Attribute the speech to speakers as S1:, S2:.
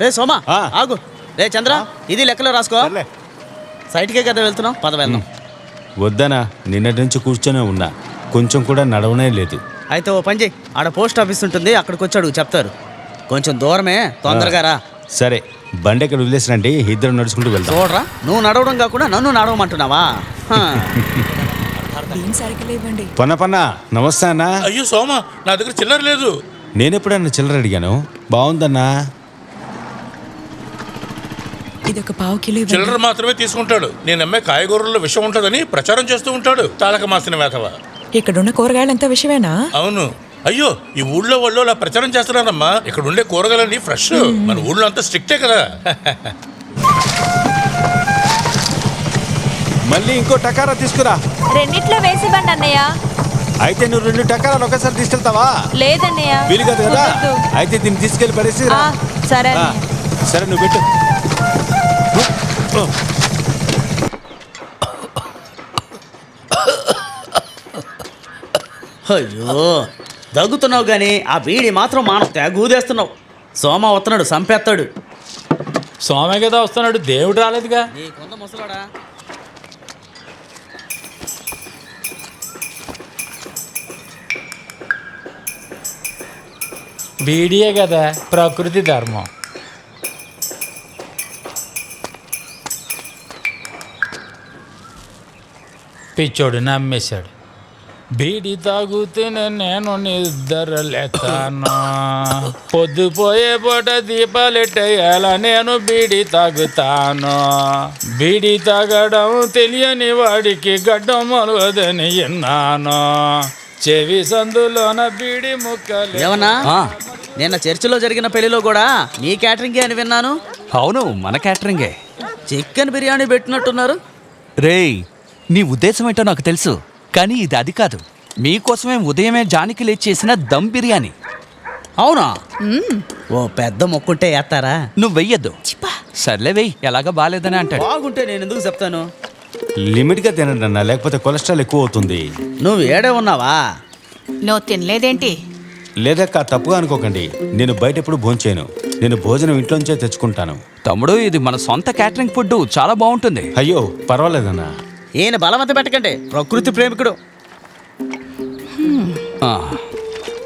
S1: రే సోమా ఆగు. రే చంద్ర ఇది లెక్కలో రాసుకో. సైట్కే కదా వెళ్తున్నావు, పద వెళ్దాం.
S2: వద్దనా, నిన్నటి నుంచి కూర్చొనే ఉన్నా, కొంచెం కూడా నడవనే లేదు.
S1: అయితే ఓ పని చేయి, ఆడ పోస్ట్ ఆఫీస్ ఉంటుంది, అక్కడికి వచ్చి అడుగు చెప్తారు. కొంచెం దూరమే, తొందరగా రా.
S2: సరే, బండి ఎక్కడ వదిలేసినండి, ఇద్దరు నడుచుకుంటూ వెళ్దాం.
S1: చూడరా, నువ్వు నడవడం కాకుండా నన్ను నడవమంటున్నావా?
S2: పన్న నమస్తే అన్నా.
S3: అయ్యో సోమ, నా దగ్గర చిల్లర లేదు.
S2: నేనెప్పుడన్నా చిల్లర అడిగాను? బాగుందన్నా.
S3: చిల్లర మాత్రమే తీసుకుంటాడు. నేను అమ్మే కాయగూరల్లో విషం ఉంటుందని ప్రచారం చేస్తూ ఉంటాడు. తాళక మాసిన వేతవ.
S4: ఇక్కడున్న కూరగాయలంతా విషమేనా?
S3: అవును. అయ్యో, ఈ ఊళ్ళో వాళ్ళు అలా ప్రచారం చేస్తున్నారమ్మా. ఇక్కడ ఉండే కూరగాయలన్నీ ఫ్రెష్. మన ఊళ్ళో అంతా స్ట్రిక్టే కదా.
S2: మళ్ళీ ఇంకో టకారా తీసుకురా.
S5: రెండిట్లో వేసివ్వండి అన్నయ్య.
S2: అయితే నువ్వు 2 టకారాలు ఒకసారి తీసుకెళ్తావా?
S5: లేదన్నయ్య,
S2: వీలు కాదు కదా. అయితే దీన్ని తీసుకెళ్లి పరిస్థితి.
S5: సరే
S2: సరే, నువ్వు పెట్టు.
S1: అయ్యో, దగ్గుతున్నావు కానీ ఆ బీడి మాత్రం తెగూదేస్తున్నావు. సోమ వస్తున్నాడు, సంపేస్తాడు.
S6: సోమే కదా వస్తున్నాడు, దేవుడు రాలేదుగా.
S1: నీకుంద ముసలాడా.
S6: బీడియే కదా ప్రకృతి ధర్మం. పిచ్చోడు నమ్మేశాడు. బీడి తాగుతూనే నేను నిద్రలేతాను. పొద్దుపోయే పూట దీపాలెట్టేయాల నేను బీడి తాగుతాను. బీడి తాగడం తెలియని వాడికి గడ్డం మొలవదని విన్నాను. చెవి సందులోన బీడి ముక్కలు.
S1: ఏమన్నా నిన్న చర్చిలో జరిగిన పెళ్లిలో కూడా మీ క్యాటరింగే అని విన్నాను.
S7: అవును, మన క్యాటరింగే.
S1: చికెన్ బిర్యానీ పెట్టినట్టున్నారు.
S7: రేయ్, నీ ఉద్దేశం ఏంటో నాకు తెలుసు, కానీ ఇది అది కాదు. మీకోసమే ఉదయమే జానికి లేచి చేసిన దమ్ బిర్యానీ.
S1: అవునా? ఓ పెద్ద మొక్కుంటే వేస్తారా?
S7: నువ్వు వెయ్యొద్దు. సర్లే వెయ్యి, ఎలాగా బాగాలేదని అంటాడు.
S1: బాగుంటే నేను ఎందుకు చెప్తాను?
S2: లిమిట్గా తినండి అన్న, లేకపోతే కొలెస్ట్రాల్ ఎక్కువ అవుతుంది.
S1: నువ్వు ఏడే ఉన్నావా?
S5: నువ్వు తినలేదేంటి?
S2: లేదక్క, తప్పుగా అనుకోకండి. నేను బయట ఎప్పుడు భోంచేయను. నేను భోజనం ఇంట్లోంచే తెచ్చుకుంటాను.
S7: తమ్ముడు, ఇది మన సొంత క్యాటరింగ్ ఫుడ్, చాలా బాగుంటుంది.
S2: అయ్యో పర్వాలేదన్నా.
S1: ఈయన బలవంత పెట్టకండి, ప్రకృతి ప్రేమికుడు.